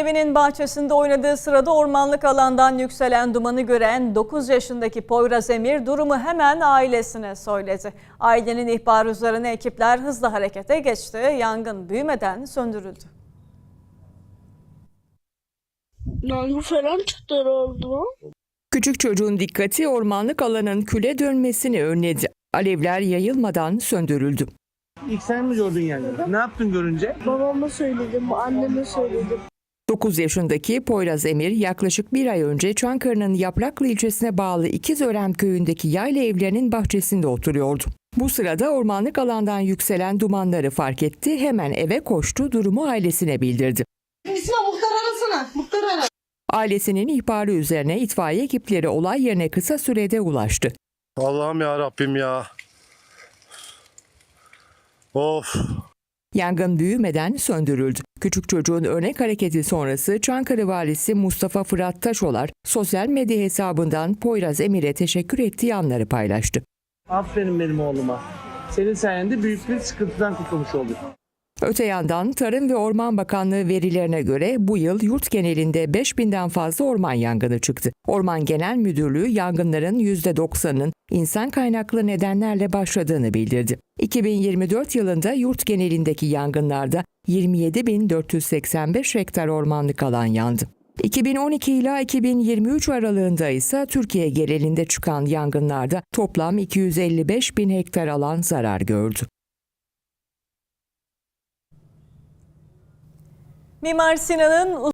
evinin bahçesinde oynadığı sırada ormanlık alandan yükselen dumanı gören 9 yaşındaki Poyraz Emir durumu hemen ailesine söyledi. Ailenin ihbarı üzerine ekipler hızlı harekete geçti. Yangın büyümeden söndürüldü. Yangın falan çıktı oldu. Küçük çocuğun dikkati ormanlık alanın küle dönmesini önledi. Alevler yayılmadan söndürüldü. İlk sen mi gördün yangını? Ne yaptın görünce? Babama söyledim, anneme söyledim. 9 yaşındaki Poyraz Emir yaklaşık bir ay önce Çankırı'nın Yapraklı ilçesine bağlı İkizören köyündeki yayla evlerinin bahçesinde oturuyordu. Bu sırada ormanlık alandan yükselen dumanları fark etti, hemen eve koştu, durumu ailesine bildirdi. Muhtar arasana, muhtar ara. Ailesinin ihbarı üzerine itfaiye ekipleri olay yerine kısa sürede ulaştı. Allah'ım ya Rabbim ya. Of. Yangın büyümeden söndürüldü. Küçük çocuğun örnek hareketi sonrası Çankırı Valisi Mustafa Fırat Taşolar sosyal medya hesabından Poyraz Emir'e teşekkür ettiği anları paylaştı. Aferin benim oğluma. Senin sayende büyük bir sıkıntıdan kurtulmuş olduk. Öte yandan Tarım ve Orman Bakanlığı verilerine göre bu yıl yurt genelinde 5000'den fazla orman yangını çıktı. Orman Genel Müdürlüğü yangınların %90'ının insan kaynaklı nedenlerle başladığını bildirdi. 2024 yılında yurt genelindeki yangınlarda 27.485 hektar ormanlık alan yandı. 2012 ila 2023 aralığında ise Türkiye genelinde çıkan yangınlarda toplam 255.000 hektar alan zarar gördü. Mimar Sinan'ın